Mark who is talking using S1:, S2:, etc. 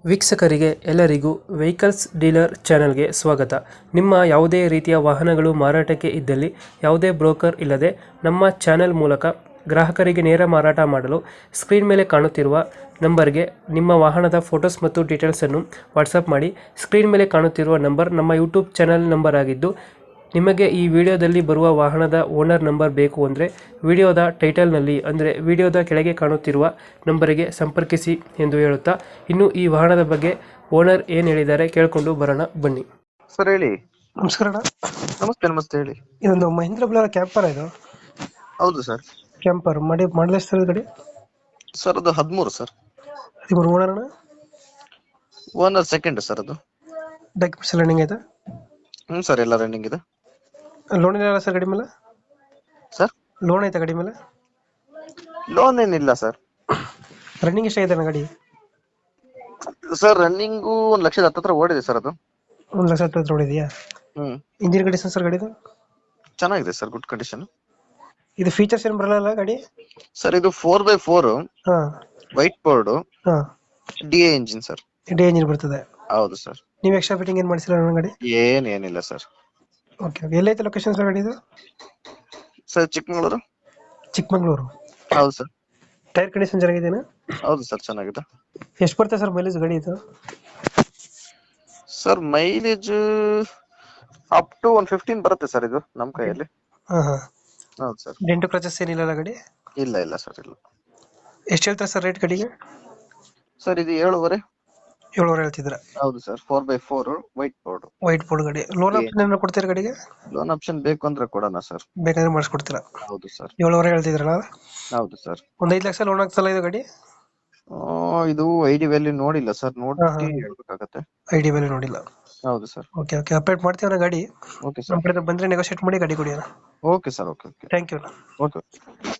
S1: ವೀಕ್ಷಕರಿಗೆ ಎಲ್ಲರಿಗೂ vehicles dealer ಚಾನೆಲ್ಗೆ ಸ್ವಾಗತ. ನಿಮ್ಮ ಯಾವುದೇ ರೀತಿಯ ವಾಹನಗಳು ಮಾರಾಟಕ್ಕೆ ಇದ್ದಲ್ಲಿ ಯಾವುದೇ ಬ್ರೋಕರ್ ಇಲ್ಲದೆ ನಮ್ಮ ಚಾನೆಲ್ ಮೂಲಕ ಗ್ರಾಹಕರಿಗೆ ನೇರ ಮಾರಾಟ ಮಾಡಲು ಸ್ಕ್ರೀನ್ ಮೇಲೆ ಕಾಣುತ್ತಿರುವ ನಂಬರ್ಗೆ ನಿಮ್ಮ ವಾಹನದ ಫೋಟೋಸ್ ಮತ್ತು ಡೀಟೇಲ್ಸನ್ನು ವಾಟ್ಸಪ್ ಮಾಡಿ. ಸ್ಕ್ರೀನ್ ಮೇಲೆ ಕಾಣುತ್ತಿರುವ ನಂಬರ್ ನಮ್ಮ ಯೂಟ್ಯೂಬ್ ಚಾನೆಲ್ ನಂಬರ್ ಆಗಿದ್ದು, ನಿಮಗೆ ಈ ವಿಡಿಯೋದಲ್ಲಿ ಬರುವ ವಾಹನದ ಓನರ್ ನಂಬರ್ ಬೇಕು ಅಂದರೆ ವಿಡಿಯೋದ ಟೈಟಲ್ನಲ್ಲಿ ಅಂದರೆ ವಿಡಿಯೋದ ಕೆಳಗೆ ಕಾಣುತ್ತಿರುವ ನಂಬರಿಗೆ ಸಂಪರ್ಕಿಸಿ ಎಂದು ಹೇಳುತ್ತಾ, ಇನ್ನು ಈ ವಾಹನದ ಬಗ್ಗೆ ಓನರ್ ಏನು ಹೇಳಿದ್ದಾರೆ ಕೇಳಿಕೊಂಡು ಬರೋಣ ಬನ್ನಿ.
S2: ಸರ್ ಹೇಳಿ.
S1: ನಮಸ್ಕಾರ ಅಣ್ಣ.
S2: ನಮಸ್ತೆ ನಮಸ್ತೆ ಹೇಳಿ.
S1: ಇದೊಂದು ಮಹೀಂದ್ರ ಬುಲರ ಕ್ಯಾಂಪರ್ ಇದು.
S2: ಹೌದು ಸರ್.
S1: ಕ್ಯಾಂಪರ್ ಮಾಡಲ್ ಎಷ್ಟು ಗಾಡಿ?
S2: ಸರ್ ಅದು 13 ಸರ್.
S1: 13 ಓನರ್ ಅಣ್ಣ.
S2: Owner second sir. ಅದು
S1: ಡಾಕ್ಯುಮೆಂಟ್ಸ್ ಎಲ್ಲ ರನ್ನಿಂಗ್ ಆಯ್ತಾ?
S2: ಸರ್ ಎಲ್ಲ ರನ್ನಿಂಗ್ ಇದೆ.
S1: ಲೋನ್ ಇಲ್ಲ ಸರ್ ಗಾಡಿ ಮೇಲೆ?
S2: ಸರ್
S1: ಲೋನ್ ಐತಾ ಗಾಡಿ ಮೇಲೆ?
S2: ಲೋನ್ ಏನಿಲ್ಲ ಸರ್.
S1: ರನ್ನಿಂಗ್ ಎಷ್ಟಾಗಿದೆ ಅಣ್ಣ ಗಾಡಿ?
S2: ಸರ್ ರನ್ನಿಂಗು 1,10,000 ಹತ್ರ ಓಡಿದೆ ಸರ್. ಅದು
S1: 1,10,000 ಹೊಡಿದೆಯಾ? ಇಂಜಿನ್ ಕಂಡೀಷನ್ ಸರ್ ಗಾಡಿದು?
S2: ಚೆನ್ನಾಗಿದೆ ಸರ್, ಗುಡ್ ಕಂಡೀಷನ್.
S1: ಇದು ಫೀಚರ್ಸ್ ಏನು ಬರಲ್ಲ ಗಾಡಿ?
S2: ಸರ್ ಇದು 4x4
S1: ಹಾ
S2: ವೈಟ್ ಬೋರ್ಡ್
S1: ಹಾ
S2: DA engine sir.
S1: D engine ಬರ್ತದೆ.
S2: ಹೌದು ಸರ್.
S1: ನೀವು ಎಕ್ಸ್ಟ್ರಾ ಫಿಟ್ಟಿಂಗ್ ಏನು ಮಾಡಿಸಿಲ್ಲ ನನ್ನ ಗಾಡಿ?
S2: ಏನಿಲ್ಲ ಸರ್.
S1: Okay okay. ಎಲ್ಲೈತೆ ಲೊಕೇಶನ್ ಸರ್ ಗಾಡಿದು?
S2: ಸರ್ ಚಿಕ್ಕಮಗಳೂರು.
S1: ಚಿಕ್ಕಮಂಗ್ಳೂರು.
S2: ಹೌದು ಸರ್.
S1: ಟೈರ್ ಕಂಡೀಷನ್ ಚೆನ್ನಾಗಿದೆಯಾ?
S2: ಹೌದು ಸರ್, ಚೆನ್ನಾಗಿದೆ.
S1: ಎಷ್ಟು ಬರ್ತದೆ ಸರ್ ಮೈಲೇಜ್ ಗಾಡಿ ಇದು?
S2: ಸರ್ ಮೈಲೇಜ್ ಅಪ್ ಟು 115 ಬರುತ್ತೆ ಸರ್ ಇದು ನಮ್ಮ ಕೈಯಲ್ಲಿ.
S1: ಹಾ ಹಾ.
S2: ಹೌದು ಸರ್.
S1: ಡೆಂಟು ಕ್ರಚಸ್ ಏನಿಲ್ಲ ಗಾಡಿ?
S2: ಇಲ್ಲ ಸರ್, ಇಲ್ಲ.
S1: ಎಷ್ಟು ಹೇಳ್ತಾರೆ ಸರ್ ರೇಟ್ ಗಾಡಿಗೆ?
S2: ಸರ್ ಇದು 7.5.
S1: 7,000 ಹೇಳ್ತಿದ್ರ?
S2: ಹೌದು sir. 4x4 white board.
S1: White board ಗಾಡಿ. ಲೋನ್ ಆಪ್ಷನ್ ಏನಾದ್ರು ಕೊಡ್ತೀರಾ ಗಾಡಿಗೆ?
S2: ಲೋನ್ ಆಪ್ಷನ್ ಬೇಕು ಅಂದ್ರೆ ಕೊಡೋಣ ಸರ್.
S1: ಬೇಕಾದ್ರೆ ಮಾಡಿಸ್ಕೊಡ್ತೀರಾ?
S2: ಹೌದು ಸರ್.
S1: 7,000 ಹೇಳ್ತಿದ್ರಲ್ಲ?
S2: ಹೌದು ಸರ್.
S1: ಒಂದು 5 ಲಕ್ಷ ಲೋನ್ ಆಗ್ತಲ್ಲ ಇದು ಗಾಡಿ?
S2: ಇದು ID ವ್ಯಾಲ್ಯೂ ನೋಡಿಲ್ಲ ಸರ್, ನೋಡಿ ಹೇಳ್ಬೇಕಾಗತ್ತೆ.
S1: ID ವ್ಯಾಲ್ಯೂ ನೋಡಿಲ್ಲ?
S2: ಹೌದು ಸರ್.
S1: Okay okay. ಅಪ್ಡೇಟ್ ಮಾಡ್ತೀವಿ ಗಾಡಿ.
S2: ಓಕೆ
S1: ನಮ್ಮ
S2: ಸರ್.
S1: ಕಡೆ ಬಂದ್ರೆ ನೆಗೋಶಿಯೇಟ್ ಮಾಡಿ ಗಾಡಿ ಕೊಡಿ.
S2: Okay sir. Okay.
S1: Thank you.
S2: Okay.